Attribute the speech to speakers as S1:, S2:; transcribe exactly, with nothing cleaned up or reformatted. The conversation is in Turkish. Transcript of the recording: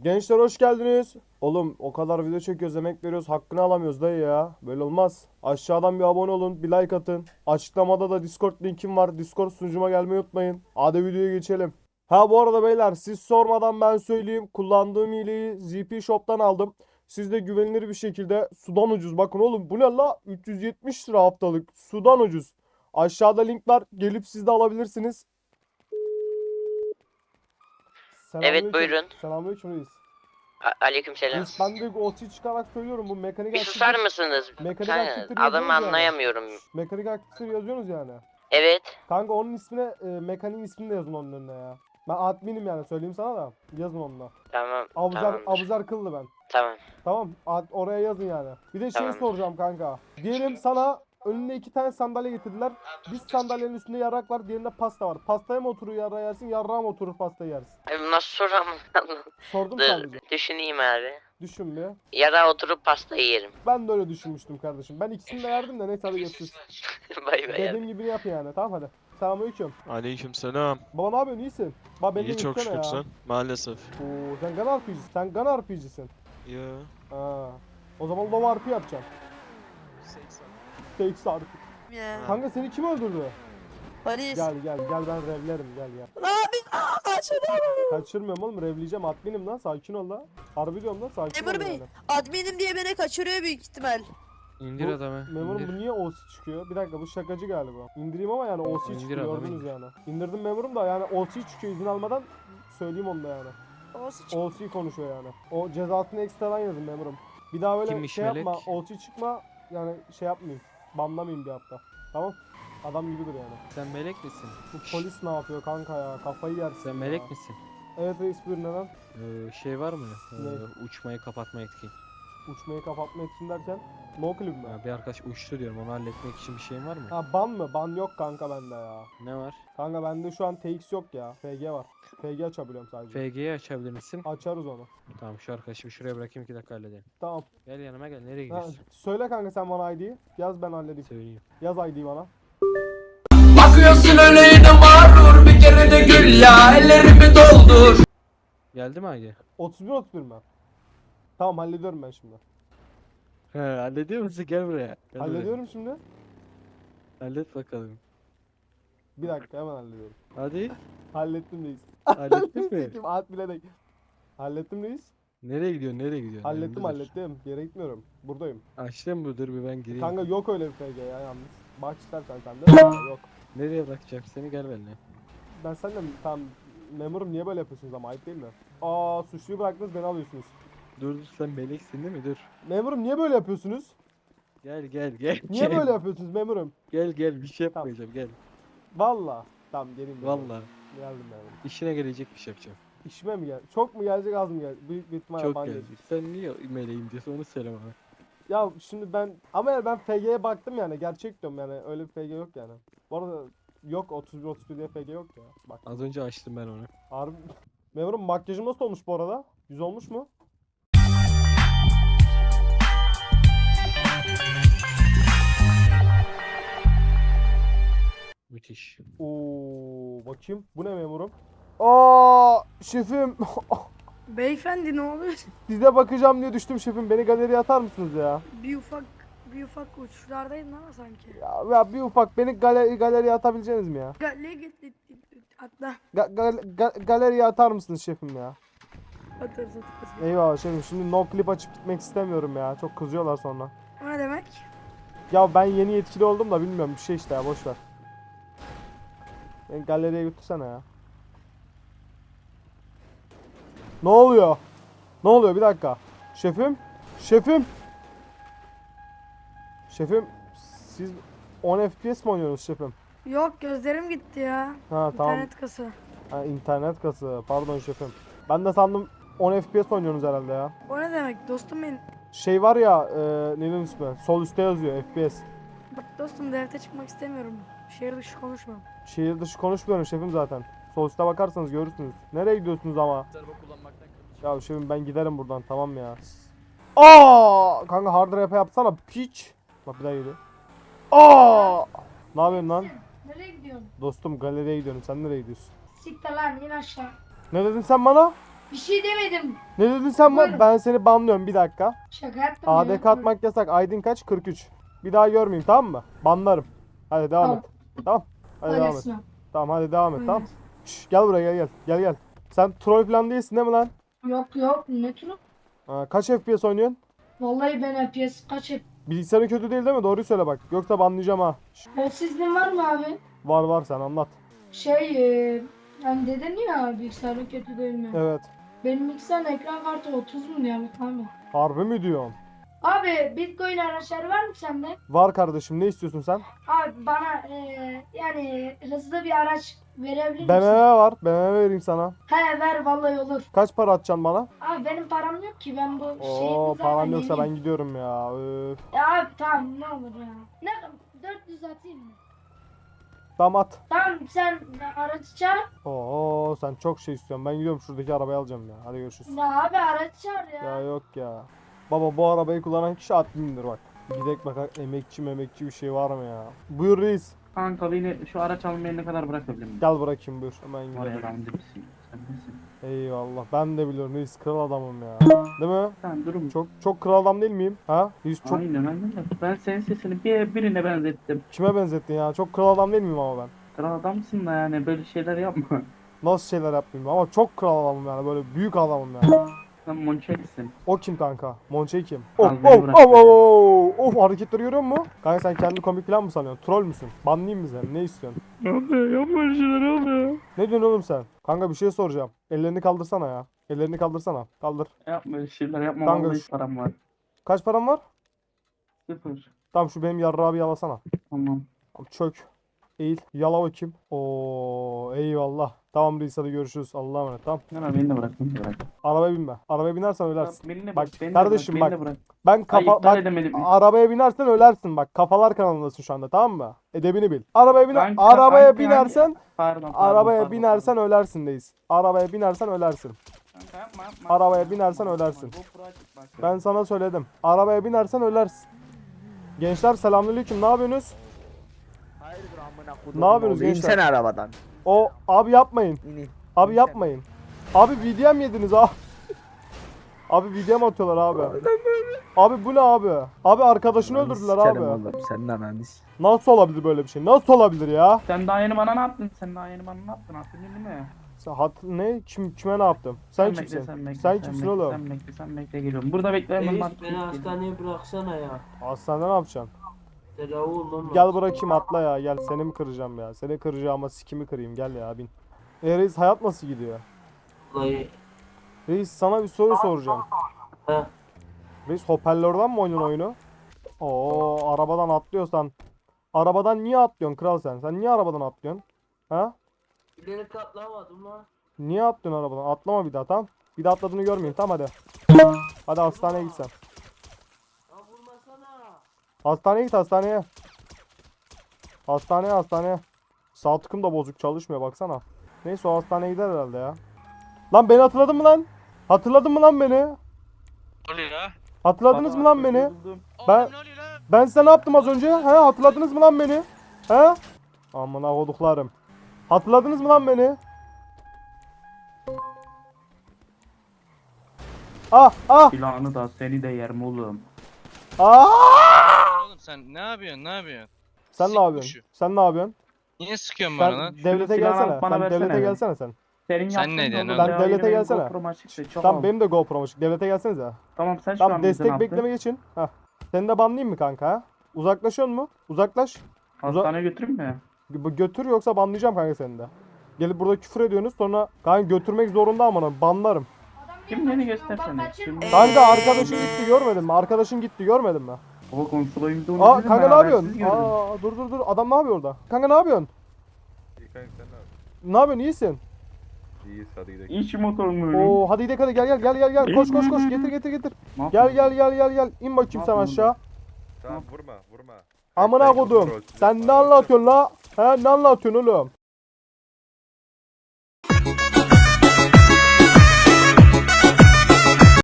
S1: Gençler hoş geldiniz. Oğlum o kadar video çekiyoruz, emek veriyoruz, hakkını alamıyoruz dayı ya. Böyle olmaz. Aşağıdan bir abone olun, bir like atın. Açıklamada da Discord linkim var. Discord sunucuma gelmeyi unutmayın. Hadi videoya geçelim. Ha bu arada beyler siz sormadan ben söyleyeyim. Kullandığım hileyi Z P Shop'tan aldım. Siz de güvenilir bir şekilde sudan ucuz. Bakın oğlum bu ne la? üç yüz yetmiş lira haftalık. Sudan ucuz. Aşağıda link var. Gelip siz de alabilirsiniz.
S2: Evet,
S1: Selamünaleyküm.
S2: buyurun.
S1: Selamünaleyküm reis.
S2: A- Aleykümselam.
S1: Reis ben de O T çıkarak söylüyorum bu mekanik
S2: Bir
S1: aktivite.
S2: susar mısınız?
S1: Mekanik
S2: Kanka,
S1: aktivite
S2: adamı
S1: yazıyoruz yani.
S2: anlayamıyorum.
S1: Mekanik aktivite yazıyorsunuz yani.
S2: Evet.
S1: Kanka onun ismine e, mekaniğin ismini de yazın onun önüne ya. Ben adminim yani söyleyeyim sana da. Yazın onunla.
S2: Tamam.
S1: Abuzer,
S2: Tamamdır.
S1: Abuzer kıllı ben.
S2: Tamam.
S1: Tamam ad, oraya yazın yani. Bir de şey
S2: Tamamdır.
S1: soracağım kanka. Diyelim sana önüne iki tane sandalye getirdiler. Bir sandalyenin üstünde yarrak var, diğerinde pasta var. Pastaya mı oturur yarrağı yersin, yarrağa mı oturur pastayı yersin?
S2: Abi nasıl soram?
S1: Sordum
S2: Dur,
S1: sadece.
S2: düşüneyim abi.
S1: Düşün bir.
S2: Yara oturup pastayı yerim.
S1: Ben de öyle düşünmüştüm kardeşim. Ben ikisini de yerdim de neyse hadi görüşürüz.
S2: Bay bay
S1: Dediğim
S2: abi.
S1: gibi yap yani. Tamam hadi. Selamünaleyküm.
S3: Aleykümselam.
S1: Baba ne yapıyorsun? İyisin. Baba beni
S3: İyi çok
S1: gitsene
S3: şükür
S1: ya.
S3: sen. Maalesef.
S1: Oo, sen Gun R P G'sin. Sen Gun R P G'sin.
S3: Ya.
S1: Ha. O zaman Low R P yapacaksın. seksen R P.
S4: Ya.
S1: Kanka seni kim öldürdü?
S4: Paris.
S1: Gel gel gel ben revlerim gel gel.
S4: Abi aa, kaçırdım.
S1: Kaçırmıyorum oğlum revleyeceğim adminim lan sakin ol lan. Harbi diyorum lan sakin ol
S4: Memur Bey,
S1: yani.
S4: adminim diye beni kaçırıyor büyük ihtimal.
S5: İndir
S1: Bu-
S5: adamı.
S1: Memurum
S5: indir.
S1: bu niye O C çıkıyor? Bir dakika bu şakacı galiba. İndireyim ama yani O C
S5: İndir
S1: çıkıyor
S5: adamı,
S1: gördünüz
S5: indir.
S1: yani. İndirdim memurum da yani O C çıkıyor izin almadan söyleyeyim onu da yani.
S4: Olsun.
S1: O C konuşuyor yani. O cezasını ekstradan yazın memurum. Bir daha böyle
S5: Kimmiş
S1: şey
S5: melek?
S1: yapma, O C çıkma yani şey yapmayayım. Banlamayayım bir hafta. Tamam? Adam gibidir yani.
S5: Sen melek misin?
S1: Bu polis ne yapıyor kanka ya? Kafayı yersin
S5: Sen
S1: ya.
S5: melek misin?
S1: Evet reis buyur neden?
S5: Ee, şey var mı? Ee,
S1: Ne?
S5: uçmayı kapatma etkin.
S1: Uçmayı kapatmak için derken no clip mi?
S5: Ya bir arkadaş uçtu diyorum, onu halletmek için bir şeyin var mı?
S1: Ha ban mı? Ban yok kanka bende ya.
S5: Ne var?
S1: Kanka bende şu an T X yok ya. F G var. F G açabiliyorum sadece.
S5: F G'yi açabilir misin?
S1: Açarız onu.
S5: Tamam, şu arkadaşı şuraya bırakayım, iki dakika halledelim.
S1: Tamam.
S5: Gel yanıma gel, nereye
S1: Ha,
S5: gidiyorsun?
S1: söyle kanka sen bana I D'yi. Yaz ben halledeyim.
S5: Söyleyeyim.
S1: Yaz I D'yi bana.
S6: Bakıyorsun öyle yine mağrur bir kere de gül ya ellerimi doldur.
S5: Geldi mi Agi?
S1: otuz bir otuz bir mi? Tamam hallediyorum ben şimdi.
S5: He, hallediyor musun? Gel buraya. Gel buraya.
S1: Hallediyorum şimdi.
S5: Hallet bakalım.
S1: Bir dakika hemen hallediyorum.
S5: Hadi.
S1: Hallettim reis.
S5: Hallettin mi?
S1: Sikim, at bile değil. Hallettim reis.
S5: Nereye gidiyorsun? Nereye gidiyorsun?
S1: Hallettim
S5: Yanımda dur.
S1: hallettim. Bir yere gitmiyorum. Buradayım.
S5: Açtın mı? Dur bir ben gireyim.
S1: Kanka yok öyle bir F G ya yalnız. Bak istersen sen de. Ha, yok.
S5: Nereye bırakacağım seni? Gel benimle.
S1: Ben seninle tam memurum niye böyle yapıyorsunuz ama ayıp değil mi? Aa suçluyu bıraktınız beni alıyorsunuz.
S5: Dur dur, sen meleksin değil mi? Dur.
S1: Memurum niye böyle yapıyorsunuz?
S5: Gel gel gel.
S1: Niye
S5: gel.
S1: böyle yapıyorsunuz memurum?
S5: Gel gel, bir şey
S1: Tamam.
S5: yapmayacağım, gel.
S1: Valla. Tamam geleyim. memurum.
S5: Vallahi
S1: Geldim memurum.
S5: işine gelecek bir şey yapacağım.
S1: İşime mi gel? Çok mu gelecek az mı gelecek? Büyük bir ihtimalle
S5: Çok
S1: ban
S5: gelecek.
S1: gelecek.
S5: Sen niye meleğim diyorsun, onu söyle bana.
S1: Ya şimdi ben ama yani ben F G'ye baktım yani gerçek diyorum yani öyle bir F G yok yani. Bu arada yok otuz bir otuz bir diye F G yok ya. Bak
S5: Az önce açtım ben onu.
S1: harbi. Memurum makyajım nasıl olmuş bu arada? Güzel olmuş mu?
S5: Müthiş.
S1: Oo bakayım. Bu ne memurum? Aa şefim.
S7: Beyefendi ne oluyor?
S1: Size bakacağım diye düştüm şefim. Beni galeriye atar mısınız ya?
S7: Bir ufak bir ufak uçuşlardaydın ama sanki.
S1: Ya, ya bir ufak beni galeri, galeriye atabileceğiniz mi ya?
S7: Gale git git git atla.
S1: Ga, gal, ga- galeriye atar mısınız şefim ya?
S7: Atarız atarız.
S1: Eyvallah şefim. Şimdi no clip açıp gitmek istemiyorum ya. Çok kızıyorlar sonra.
S7: O ne demek?
S1: Ya ben yeni yetkili oldum da bilmiyorum bir şey işte ya boş ver. Beni galeriye götürsene ya. Ne oluyor? Ne oluyor bir dakika. Şefim? Şefim? Şefim siz on F P S mi oynuyorsunuz şefim?
S7: Yok gözlerim gitti ya.
S1: Ha tamam.
S7: İnternet kası.
S1: Ha, internet kası. Pardon şefim. Ben de sandım on F P S oynuyorsunuz herhalde ya.
S7: O ne demek dostum benim?
S1: Şey var ya e, neyin ismi? Sol üstte yazıyor F P S.
S7: Bak dostum devlete çıkmak istemiyorum. Şehir dışı konuşmam.
S1: Şehir dışı konuşmuyorum şefim zaten. Sol üstte bakarsanız görürsünüz. Nereye gidiyorsunuz ama? Ya şefim ben giderim buradan tamam ya. Aa! Kanka hard rap yapsana piç. Bak bir daha geliyor. Aa! Ne yapıyorsun lan?
S8: Nereye gidiyorsun?
S1: Dostum galeriye gidiyorum. Sen nereye gidiyorsun?
S8: Siktir lan in aşağı.
S1: Ne dedin sen bana?
S3: Bir şey demedim.
S1: Ne dedin sen?
S3: Buyurun.
S1: Ben seni banlıyorum bir dakika.
S3: Şaka yaptım
S1: A D
S3: ya.
S1: K atmak yasak. Aydın kaç? kırk üç. Bir daha görmeyeyim, tamam mı? Banlarım. Hadi devam
S3: Tamam.
S1: et. Tamam. Hadi
S3: Hadi
S1: devam et.
S3: Esma.
S1: Tamam hadi devam et,
S3: Hadi.
S1: tamam. Şş, gel buraya gel gel. Gel gel. Sen troll falan değilsin değil mi lan?
S3: Yok yok ne turu?
S1: Ha, kaç F P S oynuyorsun?
S3: Vallahi ben F P S kaç hep.
S1: Bilgisayarın kötü değil değil mi? Doğruyu söyle bak. Yoksa banlayacağım ha. Şş,
S3: O sizin var mı abi?
S1: var var, sen anlat.
S3: Şey e, hani dedin ya bilgisayarın kötü değil mi?
S1: Evet.
S3: Benim bilgisayarın ekran kartı otuz mu diyor abi?
S1: Harbi mi diyorsun?
S3: Abi Bitcoin araçları var mı sende?
S1: Var kardeşim, ne istiyorsun sen?
S3: Abi bana e, yani hızlı bir araç verebilir
S1: B M
S3: misin?
S1: W var. B M W vereyim sana.
S3: He ver vallahi olur.
S1: Kaç para atacaksın bana?
S3: Abi benim param yok ki ben bu şeyi
S1: Oo,
S3: zaten
S1: paran yoksa ben
S3: yeniyim.
S1: gidiyorum ya. Öf.
S3: Ya abi tamam ne olur ya. Ne dört yüz atayım mı?
S1: Tamam at.
S3: Tamam sen aracı çağır.
S1: Oo, sen çok şey istiyorsun. Ben gidiyorum, şuradaki arabayı alacağım ya. Hadi görüşürüz.
S3: Ya abi aracı çağır ya.
S1: Ya yok ya. Baba bu arabayı kullanan kişi admindir bak. Gidek bakalım, emekçi memekçi bir şey var mı ya? Buyur reis.
S8: Kanka beni şu araç almaya ne kadar bırakabilir miyim?
S1: Gel bırakayım buyur. Hemen
S8: Var ya
S1: gidelim.
S8: ben misin? Sen misin?
S1: Eyvallah. Ben de biliyorum reis, kral adamım ya. Değil mi?
S8: Sen durum.
S1: Çok çok kral adam değil miyim? Ha? Reis çok
S8: Aynen aynen. Ben senin sesini bir birine benzettim.
S1: kime benzettin ya? Çok kral adam değil miyim ama ben?
S8: Kral adamsın da yani böyle şeyler yapma.
S1: Nasıl şeyler yapmayayım ama çok kral adamım yani, böyle büyük adamım yani.
S8: Sen monçeksin.
S1: O kim kanka? Monçey kim?
S8: Al
S1: Of
S8: beni
S1: of
S8: bırak
S1: of
S8: ya.
S1: of of, hareketleri görüyor musun? Kanka sen kendi komik falan mı sanıyorsun? Troll müsün? Banlayayım mı seni? Ne istiyorsun?
S5: Yapma yapma öyle şeyler yapma.
S1: Ne diyorsun oğlum sen? Kanka bir şey soracağım. Ellerini kaldırsana ya. Ellerini kaldırsana. Kaldır.
S8: Yapma öyle şeyler yapma.
S1: Kanka
S8: Vallahi
S1: şu-
S8: param var.
S1: Kaç param var?
S8: Sıfır.
S1: Tamam şu benim yarrağı bir yalasana.
S8: Tamam.
S1: Tamam, çök. Eğil. Yala bakayım. Oo eyvallah. Tamam reis, hadi görüşürüz. Allah'a emanet. Tamam.
S8: Ne beni de bırak beni de bırak.
S1: Arabaya binme. Arabaya binersen ölersin.
S8: Beni de
S1: Bak,
S8: bırak. Beni
S1: kardeşim
S8: de
S1: bak.
S8: bırak. Beni de bırak.
S1: Ben
S8: Ay,
S1: kafa...
S8: iptal
S1: Bak,
S8: edemedim.
S1: arabaya binersen ölersin bak. Kafalar kanalındasın şu anda, tamam mı? Edebini bil. Arabaya biner
S8: Hangi-
S1: arabaya
S8: hangi-
S1: binersen
S8: Pardon, pardon,
S1: arabaya
S8: pardon,
S1: binersen ölersin reis. Arabaya binersen ölersin.
S8: pardon. Kanka yapma, yapma.
S1: Arabaya
S8: Yapma,
S1: binersen
S8: yapma.
S1: ölersin.
S8: GoPro açık bak.
S1: Ben sana söyledim. Arabaya binersen ölersin. Gençler selamünaleyküm. Ne yapıyorsunuz?
S9: Hayırdır amına kodum.
S1: Ne yapıyorsunuz
S9: oğlu?
S1: gençler?
S9: İnsene arabadan.
S1: O abi yapmayın.
S9: İnin.
S1: Abi yapmayın. Abi V D M yediniz abi. Abi V D M atıyorlar abi. Abi bu ne abi? Abi arkadaşını öldürdüler
S9: Sikerim
S1: abi.
S9: oğlum, senin ananı s-
S1: Nasıl olabilir böyle bir şey? Nasıl olabilir ya?
S8: Sen daha yeni bana ne yaptın? Sen daha yeni bana ne yaptın? Hatırladın değil mi?
S1: Sen hat ne? Kim kime ne yaptım? Sen,
S8: bekle,
S1: kimsin?
S8: Sen, bekle,
S1: Sen kimsin
S8: bekle,
S1: oğlum?
S8: Sen bekle, sen bekle geliyorum. Burada bekle hemen bak.
S10: Reis beni hastaneye bıraksana ya.
S1: Hastanede ne yapacaksın?
S10: Tedavi olmam
S1: Gel
S10: lazım.
S1: bırakayım, atla ya. Gel, seni mi kıracağım ya? Seni kıracağım ama sikimi kırayım. Gel ya bin. E reis, hayat nasıl gidiyor?
S10: Vallahi.
S1: Reis sana bir soru soracağım.
S10: He.
S1: Reis hoparlörden mi oynuyorsun oyunu? Oo, arabadan atlıyorsan. Arabadan niye atlıyorsun kral sen? Sen niye arabadan atlıyorsun? Ha?
S10: Beni katlamadım lan.
S1: Niye atlıyorsun arabadan? Atlama bir daha, tamam? Bir daha atladığını görmeyeyim, tamam hadi. Hadi hastaneye git sen.
S10: Ya vurmasana.
S1: Hastaneye git, hastaneye. Hastaneye hastaneye. Sağ tıkım da bozuk, çalışmıyor baksana. Neyse o hastaneye gider herhalde ya. Lan beni hatırladın mı lan? Hatırladın mı lan beni?
S11: Ne oluyor ya?
S1: Hatırladınız mı lan beni?
S8: Buldum.
S1: Ben
S11: Oğlum ne oluyor lan?
S1: ben size ne yaptım az önce? He, hatırladınız mı lan beni? He? Amına koduklarım. Hatırladınız mı lan beni? Ah ah
S8: Silahını da seni de yerim oğlum.
S1: ah!
S11: Oğlum sen ne yapıyorsun? Ne yapıyorsun?
S1: Sen
S11: Sik
S1: ne yapıyorsun?
S11: kuşu.
S1: Sen ne yapıyorsun?
S11: Niye sıkıyorsun bana
S1: Sen
S11: lan?
S1: devlete
S8: silahını
S1: gelsene.
S8: alıp bana
S1: Sen
S8: versene
S1: devlete
S8: be.
S1: gelsene sen.
S8: Senin
S11: Sen
S8: yaptığın
S11: ne
S8: da
S11: diyorsun
S8: olur.
S11: oğlum?
S1: Sen
S8: Ya,
S1: devlete
S8: yine benim
S1: gelsene.
S8: GoPro'm açıktı, çok
S1: Tamam
S8: al.
S1: benim de GoPro'm açık. Devlete gelsenize.
S8: Tamam sen şu
S1: Tamam
S8: an bize ne
S1: destek
S8: yaptın?
S1: bekleme geçin. Heh. Seni de banlayayım mı kanka ha? Uzaklaşıyor mu? Uzaklaş.
S8: Hastaneye götüreyim mi?
S1: Gö- Götür yoksa banlayacağım kanka seni de. Gelip burada küfür ediyorsunuz sonra kanka götürmek zorunda ama banlarım.
S3: Adam
S8: Kim beni göstersene.
S3: Bak, kaçın-
S8: Kim?
S4: Ee,
S1: Kanka arkadaşın gitti görmedin mi? Arkadaşın gitti görmedin mi?
S8: Baba konsolayımda onu
S1: Aa
S8: dedim,
S1: kanka
S8: ben
S1: ne
S8: habersiz
S1: yapıyorsun?
S8: gördüm.
S1: Aa dur dur dur adam ne yapıyor orada? Kanka ne yapıyorsun?
S12: İyi kanka sen ne yapıyorsun?
S1: Ne yapıyorsun, iyisin?
S12: İyiyiz hadi gidelim.
S8: İyi şu motorunu.
S1: Oo hadi gidelim hadi gel gel gel gel gel koş koş koş getir getir getir.
S8: Ne
S1: Gel
S8: yapıyorsun?
S1: gel gel gel gel in bakayım sen
S8: yapıyorsun
S1: aşağı.
S12: Tamam vurma vurma.
S1: Amına
S12: Sen
S1: kodum.
S12: kontrol-
S1: Sen ne anlatıyorsun la? He ne anlatıyorsun oğlum?